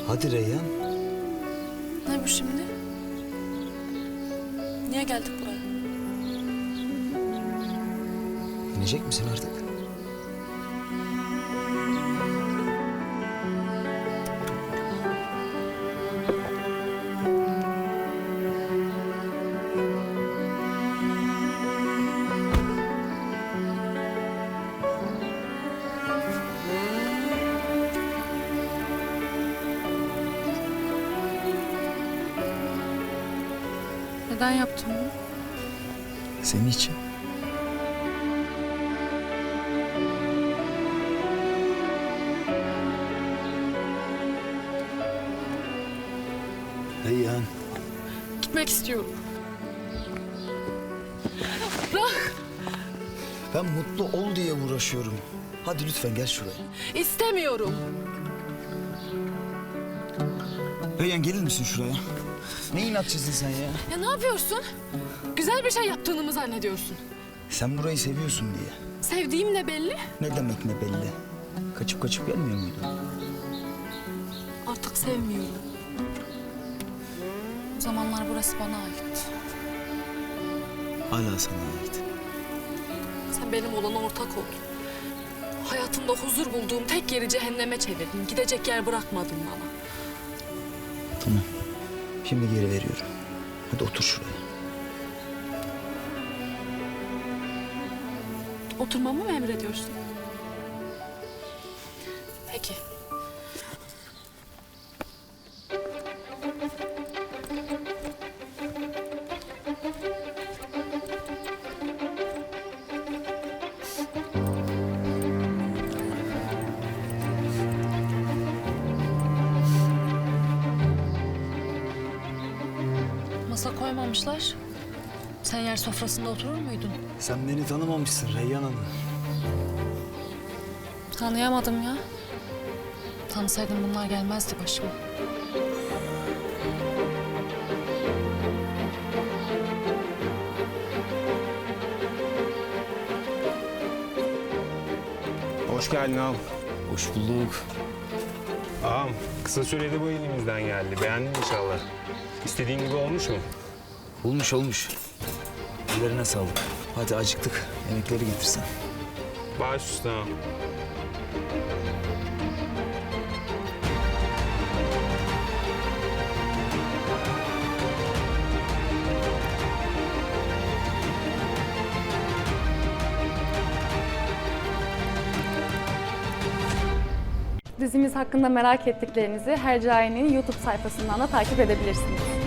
Hadi Reyhan. Ne bu şimdi? Niye geldik buraya? İnecek misin artık? Neden yaptın bunu? Senin için. Reyhan. Gitmek istiyorum. Bırak! Ben mutlu ol diye uğraşıyorum. Hadi lütfen gel şuraya. İstemiyorum. Reyhan gelir misin şuraya? Ne inatçısın sen ya? Ya ne yapıyorsun? Güzel bir şey yaptığını mı zannediyorsun? Sen burayı seviyorsun diye. Sevdiğim ne belli? Ne demek ne belli? Kaçıp kaçıp gelmiyor muydun? Artık sevmiyorum. O zamanlar burası bana ait. Hala sana ait. Sen benim olana ortak oldun. Hayatımda huzur bulduğum tek yeri cehenneme çevirdin. Gidecek yer bırakmadın bana. Tamam. Şimdi geri veriyorum. Hadi otur şuraya. Oturmamı mı emrediyorsun? Peki. Masa koymamışlar. Sen yer sofrasında oturur muydun? Sen beni tanımamışsın Reyhan Hanım. Tanıyamadım ya. Tanısaydım bunlar gelmezdi başıma. Hoş geldin ağam. Hoş bulduk. Ağam, kısa sürede bu elimizden geldi. Beğendin inşallah. İstediğin gibi olmuş mu? Olmuş olmuş. Ellerine sağlık. Hadi acıktık. Yemekleri getirsen. Baş üstüne ağam. Dizimiz hakkında merak ettiklerinizi Hercai'nin YouTube sayfasından da takip edebilirsiniz.